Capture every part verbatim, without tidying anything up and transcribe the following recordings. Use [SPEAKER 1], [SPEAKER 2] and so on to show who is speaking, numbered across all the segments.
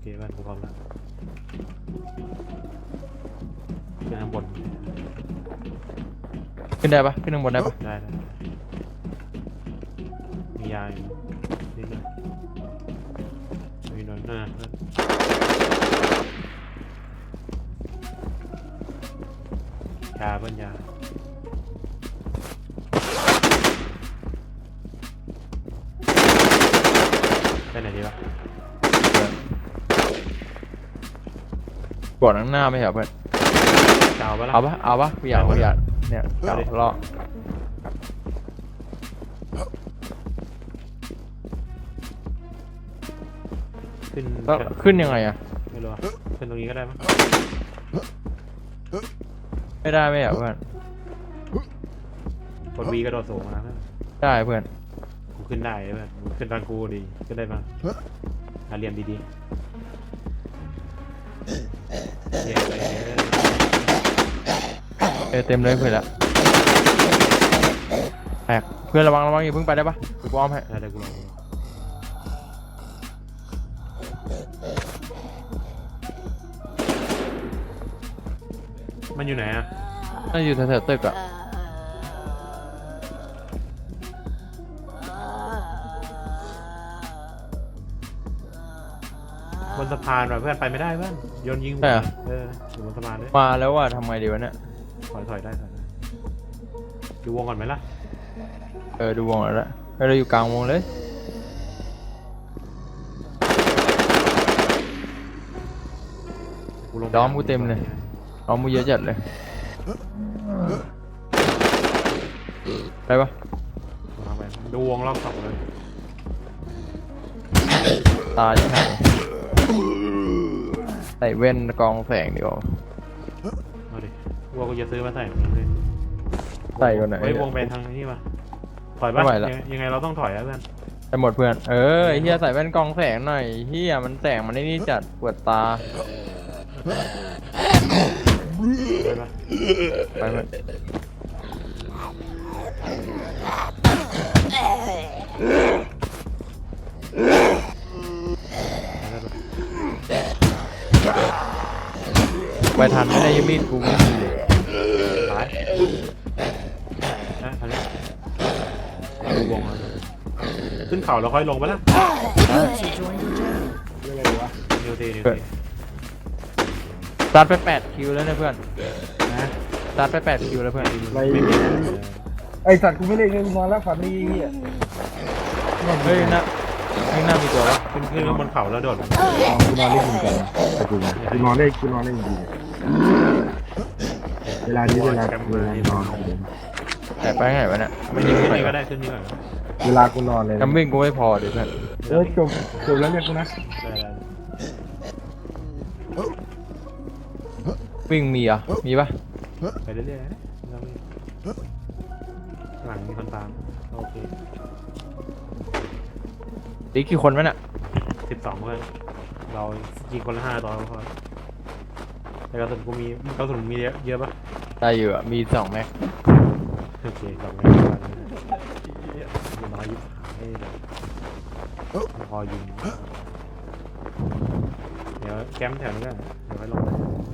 [SPEAKER 1] เคบ้านกูพร้อมแล้วขึ้นข้างบน
[SPEAKER 2] ขึ้นได้ปะขึ้นข้างบนได้ปะ
[SPEAKER 1] ได้ได้มียาอยู่นิดหน่อยมีหน่อยหน้าเพื่อนยาเพื่อนยาไปไหนดีวะ
[SPEAKER 2] กดข้างหน้าไม่เหรอเพื่อน
[SPEAKER 1] เจ้าปะล่ะ
[SPEAKER 2] เอาปะเอาปะกูอยากกูอยากเนี่ย
[SPEAKER 1] เอาดิ
[SPEAKER 2] รอ
[SPEAKER 1] ขึ้น
[SPEAKER 2] แล้วขึ้นยังไงอะ
[SPEAKER 1] ไม่รู้อะขึ้นตรงนี้ก็ได้มั้ง
[SPEAKER 2] ไม่ได้ไม่เหรอเพื่อน
[SPEAKER 1] กดวีกระโดดสูงมาเพื่อน
[SPEAKER 2] ได้เพื่อน
[SPEAKER 1] กูขึ้นได้เพื่อนกูขึ้นตอนกูดีขึ้นได้ปะหาเรียนดีๆเรียนไปเรื่อย
[SPEAKER 2] เออเต็มเลยเพื่อนละแตกเพื่อนระวังระวังอย่าเพิ่งไปได้ปะกูอ้อมให้
[SPEAKER 1] ได้ได้กูลองดูมันอยู่ไหนอะ
[SPEAKER 2] น่าอยู่แถวๆตึกอะ
[SPEAKER 1] บนสะพานว่ะเพื่อนไปไม่ได้เพื่อนโยนยิงหัวเอออยู่บนสะพานด้วย
[SPEAKER 2] มาแล้วว่ะทำไงดีวะเนี่ย
[SPEAKER 1] ถอยถอยได้ถอยได้ดูวงก่อนไหมล่ะ
[SPEAKER 2] เออดูวงแล้วละเออเราอยู่กลางวงเลย
[SPEAKER 1] กูลง
[SPEAKER 2] ล้อมกูเต็มเลยล้อมกูเยอะจัดเลยไปปะ
[SPEAKER 1] ลงไปดูวงรอบสองเลย
[SPEAKER 2] ตาจะหายใส่เว้นกองแสงดีกว่า
[SPEAKER 1] เอาดิวัวกูจะซื้อมาใส่เหมือนกันเลย
[SPEAKER 2] ใส่ก่อนไหน
[SPEAKER 1] ไว้วงไปทางนี้มาถอยปะ
[SPEAKER 2] ไม่ไหวละ
[SPEAKER 1] ยังยังไงเราต้องถอยแล้วเพื่อน
[SPEAKER 2] ไปหมดเพื่อน เออไอ้เฮียใส่แว่นกองแสงหน่อยเฮียมันแสงมันไอ้นี่จัดปวดตา
[SPEAKER 1] ไปปะ
[SPEAKER 2] ไปเพื่อนไปทันไม่ได้ยังมีดกูไม่มีเลย
[SPEAKER 1] ตายนะทางนี้ดูวงเลยขึ้นเขาแล้วค่อยลงไปละนิวทีนิวที
[SPEAKER 2] ตัดไปแปดคิวแล้วนะเพื่อน
[SPEAKER 1] นะ
[SPEAKER 2] ตัดไปแปดคิวแล้วเพื่อน
[SPEAKER 3] อะไร
[SPEAKER 1] ไม่มีนะ
[SPEAKER 3] ไอสัตว์กูไม่เล่นเลยกูนอนแล้วฝันดีเหี้ย
[SPEAKER 2] เฮ้ยนะข้างหน้ามีตัววะ
[SPEAKER 1] ขึ้นขึ้นบนเขาแล้วโดด
[SPEAKER 3] อ๋อกูนอนเล่นจริงจังไอ้กูนะกูนอนเล่นกูนอนเล่นจริงเวลานี้เวลาเวลานอน
[SPEAKER 2] แต่ไปไหนวะเนี่ยไม่
[SPEAKER 1] ขึ้
[SPEAKER 2] ยิ
[SPEAKER 1] น
[SPEAKER 2] ง
[SPEAKER 1] ขึ้น
[SPEAKER 2] ไป
[SPEAKER 1] นี่ก็ได้ขึ้นนี่ก่อน
[SPEAKER 3] เวลากูนอนเลย
[SPEAKER 2] กำวิ่งกูไม่พอดิเพื่อน
[SPEAKER 3] เออจบจบแล้วเรียกกูนะ
[SPEAKER 1] ได้ได้
[SPEAKER 2] วิ่งมีอ่ะมีปะ
[SPEAKER 1] ไปเรื่อยๆนะเราไม่หลังมีคนตามโอเค
[SPEAKER 2] ดีกี่คนวะเนี่ย
[SPEAKER 1] สิบสองเพื่อนเรายิงคนละห้าตัวพอแต่กระสุนกูมีกระสุนมีเยอะเยอะปะ
[SPEAKER 2] ได้อยู่อ่ะมีสองแม็ก
[SPEAKER 1] โอเคสองแม็กมันน้อยยิบให้แบบพอยิงเดี๋ยวแคมป์แถวนี้ก็เดี๋ยวไว้ลง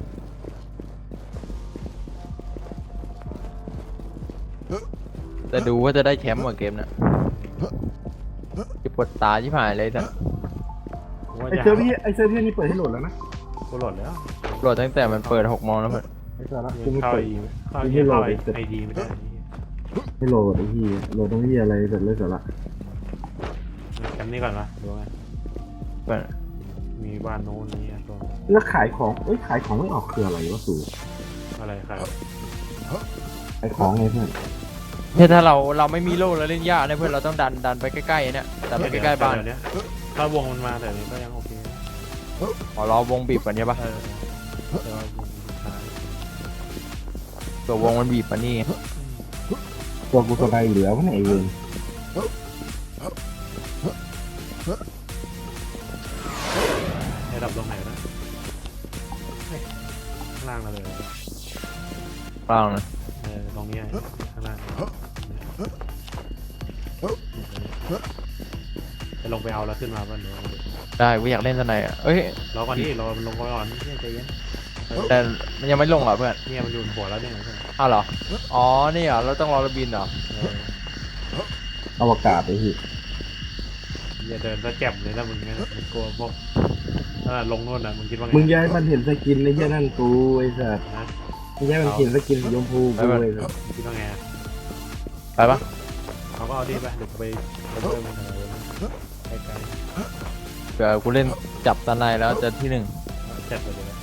[SPEAKER 2] แต่ดูว่าจะได้แชมป์กว่าเกมน่ะจะปวดตาชิบหายเลยแต่
[SPEAKER 3] ไอเซอร์พี่ไอเซอร์พี่นี่เปิดให้โหลดแล้วนะ
[SPEAKER 1] กูโหลดแล้ว
[SPEAKER 2] โหลดตั้งแต่มันเปิดหกโมงแล้วเพื่อน
[SPEAKER 3] ไอสาระกูไม่
[SPEAKER 1] เข้า
[SPEAKER 3] เปิด
[SPEAKER 1] อีเข้าอีเข้าไอดีไม่ได้
[SPEAKER 3] ไม่โหลดไอ้ที่โหลดตรงนี้อะไรเสร็จเลยสาระ
[SPEAKER 1] แคมป์นี้ก่อนวะดูไง
[SPEAKER 2] เพื่อน
[SPEAKER 1] มีบ้านโน้นนี้ตัว
[SPEAKER 3] แล้วขายของเอ้ยขายของไม่ออกคืออะไรวะสู
[SPEAKER 1] อะไรครับ
[SPEAKER 3] ขายของไงเพื่อน
[SPEAKER 2] เนี่ยถ้าเราเราไม่มีโล่แล้วเล่นยากนะเพื่อนเราต้องดันดันไปใกล้ๆเนี่ยดันไปใกล้ๆบ้าน
[SPEAKER 1] เนี้ยถ้าวงมันมาแต่นี้ก็ยังโอเค
[SPEAKER 2] ขอรอวงบีบก่อนใช่ปะ
[SPEAKER 1] เออแต่ว่าวงสุดท้าย
[SPEAKER 2] ตัววงมันบีบมานี่
[SPEAKER 3] ตัวกูตัวใดเหลือวะเนี่ยไอเวน
[SPEAKER 1] ให้ดับตรงไหนนะข้างล่างเราเลย
[SPEAKER 2] เปล่านะ
[SPEAKER 1] เออตรงนี้ข้างล่างจะลงไปเอาแล้วขึ้นมาบ้านเดี๋ยว
[SPEAKER 2] ได้กูอยากเล่นสไนอ่ะเอ้ย
[SPEAKER 1] รอก่อนที่รอมันลงก่อนเนี่ยใจเย็น
[SPEAKER 2] แต่มันยังไม่ลงเหรอเพื่อน
[SPEAKER 1] เนี่ยมันอยู่บนหัวแล้วเนี่ย
[SPEAKER 2] อ้าวเหรออ๋อนี่เหรอเราต้องรอระบินเหรอ
[SPEAKER 1] เออ
[SPEAKER 3] อวกาศไปพี่
[SPEAKER 1] อย่าเดินซะแจ่มเลยนะมึงเนี่ยมึงกลัวพวกถ้าลงโน่นน่ะมึงคิดว่าไง
[SPEAKER 3] มึงย้ายมันเห็นสกินในเหี้ยนั่นกูไอ้สัส
[SPEAKER 1] นะ
[SPEAKER 3] มึงย้ายมันเห็นสกินสีชมพูกูเลยสัส
[SPEAKER 1] มึงคิดว่าไงอะ
[SPEAKER 2] ไปปะ
[SPEAKER 1] เขาก็เอาดิไปเดี๋ยวกูไปไปเพิ่มมันอะไรใกล้
[SPEAKER 2] เดี๋ยวกูเล่นจับสไนแล้วจะที่หนึ่ง
[SPEAKER 1] ๆแจ่มไปเลยนะ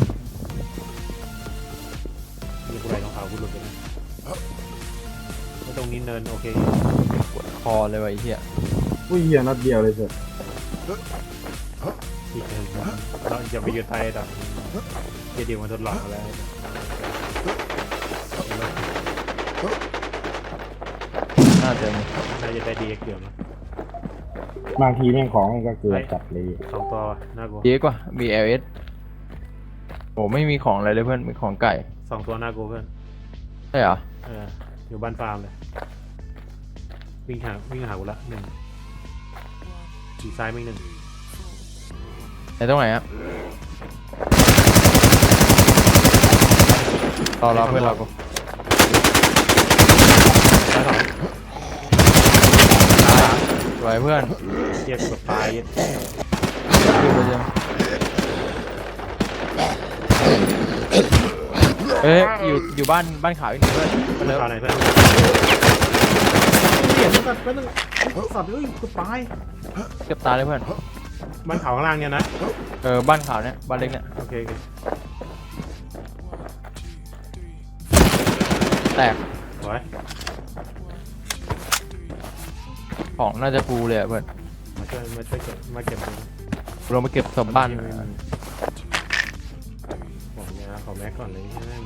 [SPEAKER 1] นี่กูไหลรองเท้ากูหลุดไปนะแล้วตรงนี้เนินโอเค
[SPEAKER 2] ปวดคอเลยว่ะไอ้เหี้ย
[SPEAKER 3] อุ้ยเหี้ยนัดเดียวเลยสัส
[SPEAKER 1] อีกหนึ่งเราจะไปยืนไทยดับเจดีมันทดลองมาแล้ว
[SPEAKER 2] น่าจะมี
[SPEAKER 1] น่าจะได้ดีเกี่ยวนะ
[SPEAKER 3] บางทีแม่งของมันก็เกิดจัดเลย
[SPEAKER 1] สองตัวน่ากลัว
[SPEAKER 2] เยอะกว่า บี แอล เอส โอ้ไม่มีของอะไรเลยเพื่อนมีของไก่
[SPEAKER 1] สองตัวน่ากลัวเพื่อน
[SPEAKER 2] ใช่เหรอ
[SPEAKER 1] เอออยู่บ้านฟาร์มเลยวิ่งหาวิ่งหากูละหนึ่งขี่ซ้ายไม่หนึ่ง
[SPEAKER 2] ไหนตรงไหนอะรอรอเพื่อนรอกู
[SPEAKER 1] ซ้ายสอง
[SPEAKER 2] สวยเพื่อน
[SPEAKER 1] เทียบกับตายเย็ด
[SPEAKER 2] ดูไปยังเอ้ยอยู่อยู่บ้านบ้านขาวอีกหนึ่งเพื่อนมาเร็ว
[SPEAKER 1] ข่าวไหนเพื่อนเกียดสัตว์เป็นสัตว์เอ้ยกูตาย
[SPEAKER 2] เกือบตายเลยเพื่อน
[SPEAKER 1] บ้านเขาข้างล่างเนี่ยนะ
[SPEAKER 2] เออบ้านขาวเนี่ยบ้านเล็กเนี่ย
[SPEAKER 1] โอเคโอเค
[SPEAKER 2] แตก
[SPEAKER 1] สวย
[SPEAKER 2] ของน่าจะฟูเลยอะเพื่อน
[SPEAKER 1] มาช่วยมาช่วยเก็บมาเก็บดู
[SPEAKER 2] ลงมาเก็บศพบ้าน
[SPEAKER 1] บอกยาขอแม็กก่อนเลยใช่ไหม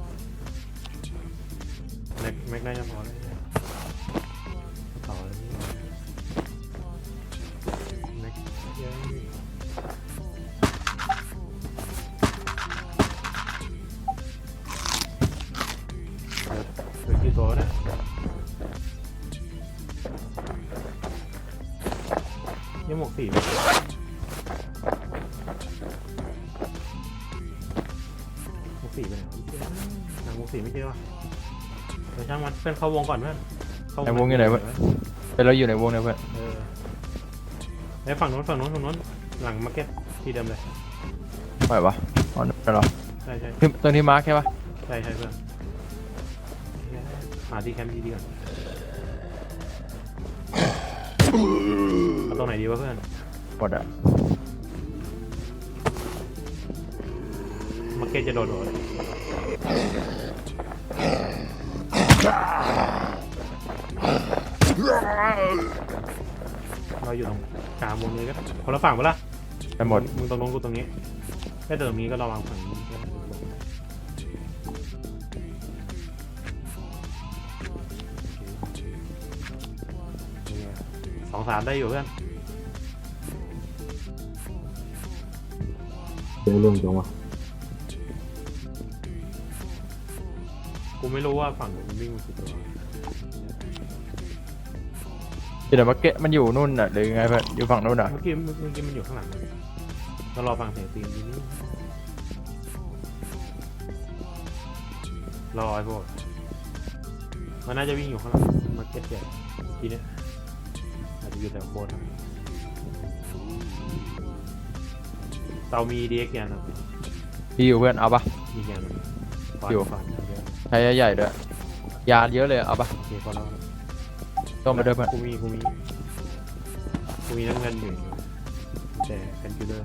[SPEAKER 1] แม็กแม็กน่าจะพอแล้วต่อเลยแม็กเยอะเหลือกี่ตัวเนี่ยยังหมวกสีไหมหมวกสีไปไหนหนังหมวกสีไม่เจอวะเดี๋ยวช่างมันเพื่อนเข้าวงก่อนเพื่อนเข้าว
[SPEAKER 2] ในวงอยู่ไหนเพื่อนเป็นเราอยู่ในวงเนี่ยเพื่อน
[SPEAKER 1] เออไอ้ฝั่งโน้นฝั่งโน้นฝั่งโน้นหลังมาร์เก็ตที่เดิมเลย
[SPEAKER 2] ไหวปะอ๋อนั่นเหรอ
[SPEAKER 1] ใช่ใช่
[SPEAKER 2] ที่ตรงที่มาร์คใช่ปะ
[SPEAKER 1] ใช่ใช่เพื่อนหาที่แคมป์ดีๆก่อนเอาตรงไหนดีวะเพื่อน
[SPEAKER 2] หมดอะ
[SPEAKER 1] มาร์เก็ตจะโดดโดดเราอยู่ตรงกลางวงเลยก็คนละฝั่งปะล่ะ
[SPEAKER 2] ไปหมด
[SPEAKER 1] มึงตรงโน้นกูตรงนี้แค่ตรงนี้ก็ระวังฝั่งนี้สองสามได้อยู่เพื่อน
[SPEAKER 3] เดี๋ยวเรื่องจังวะ
[SPEAKER 1] กูไม่รู้ว่าฝั่งมันวิ่งมากี่ตัว
[SPEAKER 2] อยู่ไหนมาร์เก็ตมันอยู่นู่นน่ะหรือไงเพื่อนอยู่ฝั่งนู่นน่ะ
[SPEAKER 1] เมื่อกี้เมื่อกี้มันอยู่ข้างหลังเรารอฟังเสียงตีนทีนี้รอไอ้พวกมันน่าจะวิ่งอยู่ข้างหลังมาร์เก็ตใหญ่ทีเนี้ยอาจจะอยู่แถวโบนเตามีดีเอ็กยันนะ
[SPEAKER 2] พี่อยู่เพื่อนเอาปะ
[SPEAKER 1] มียัน
[SPEAKER 2] อยู่
[SPEAKER 1] ฟันเยอะ
[SPEAKER 2] ใช้ใหญ่ๆด้วยยาเยอะเลยเอาปะ
[SPEAKER 1] โอเคพอแล้ว
[SPEAKER 2] ต้มมาด้วยเพื่อน
[SPEAKER 1] กูมีกูมีกูมีน้ำเงินอยู่แต่แคนคิลเลอร์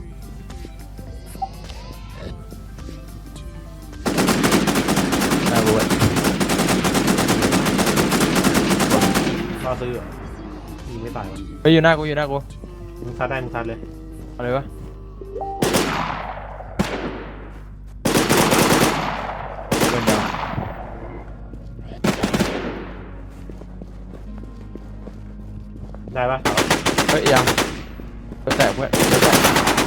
[SPEAKER 2] น่ารู้
[SPEAKER 1] ก็ซื้อเหรอยิงไม่ตายวะ
[SPEAKER 2] ไปอยู่หน้ากูอยู่หน้ากู
[SPEAKER 1] มึงซัดได้มึงซัดเลย
[SPEAKER 2] เอาเลยวะเป็นยัง
[SPEAKER 1] ได้ปะ
[SPEAKER 2] เฮ้ยยังจะแตกเพื่อนจะแตก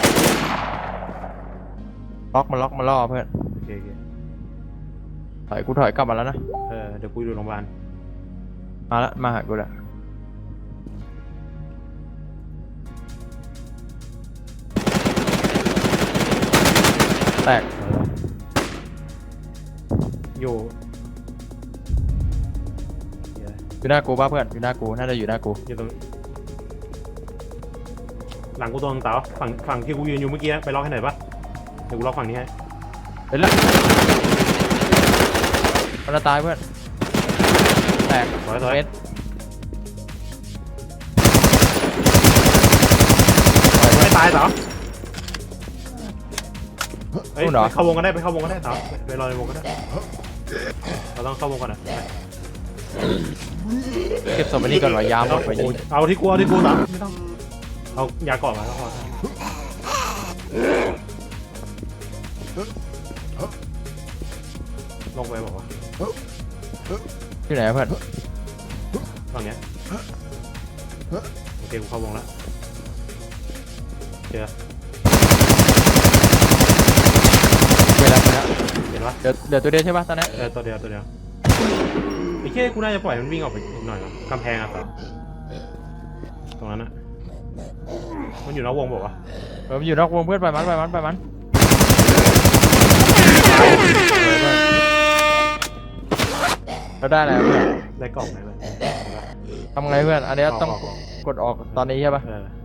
[SPEAKER 2] ล็อกมาล็อกมาล่อเพื่อน
[SPEAKER 1] โอเคโอเค
[SPEAKER 2] ถอยกูถอยกลับมาแล้วนะ
[SPEAKER 1] เออเดี๋ยวกูอยู่โรงพยาบาล
[SPEAKER 2] มาละมาหากูละแตก
[SPEAKER 1] เอออยู่เดี๋ยว
[SPEAKER 2] อยู่หน้ากูป่ะเพื่อนอยู่หน้ากูน่าจะอยู่หน้ากู
[SPEAKER 1] อยู่ตรงหลังกูตัวนึงเต๋าฝั่งฝั่งที่กูยืนอยู่เมื่อกี้ไปล็อกให้หน่อยปะเดี๋ยวกูล็อกฝั่งนี้ให้
[SPEAKER 2] เห็นแล้วมันจะตายเพื่อนแตก
[SPEAKER 1] สวยสวย
[SPEAKER 2] เม็ด
[SPEAKER 1] ไม่ตายเต๋าเฮ้ยไปเข้าวงกันได้ไปเข้าวงกันได้เต๋าไปไปรอในวงกันได้เราต้องเข้าวงกันนะไป
[SPEAKER 2] เก็บศพไปนี่ก่อนหน่อยยามหมดไป
[SPEAKER 1] โอ้
[SPEAKER 2] นี่
[SPEAKER 1] ยเอาที่กูเอาที่กูเต๋าไม่ต้องเอายาเกาะมาก็พอลงไปบอกว่า
[SPEAKER 2] อยู่ไหนเพื่อน
[SPEAKER 1] ฝั่งเนี้ยโอเคกูเข้าวงแล้วเจอ
[SPEAKER 2] เวลาไปแล้ว
[SPEAKER 1] เห็นปะ
[SPEAKER 2] เดี๋ยวเดี๋ยวตัวเดียวใช่ป่ะตอนนี้
[SPEAKER 1] เออตัวเดียวตัวเดียวไอ้เค้กูน่าจะปล่อยมันวิ่งออกไปอีกหน่อยวะกำแพงอะต่อตรงนั้นอะมันอยู่นอกวงบอกว่าวะ
[SPEAKER 2] เออมันอยู่นอกวงเพื่อนไปมันไปมันไปมันเราได้แล้วเพื่อน
[SPEAKER 1] ได้กล่องไหนเลย
[SPEAKER 2] ทำไงเพื่อนอันนี้ต้อง
[SPEAKER 1] กล่องกล่อง
[SPEAKER 2] กดออกตอนนี้ใช่ป่ะ
[SPEAKER 1] เออ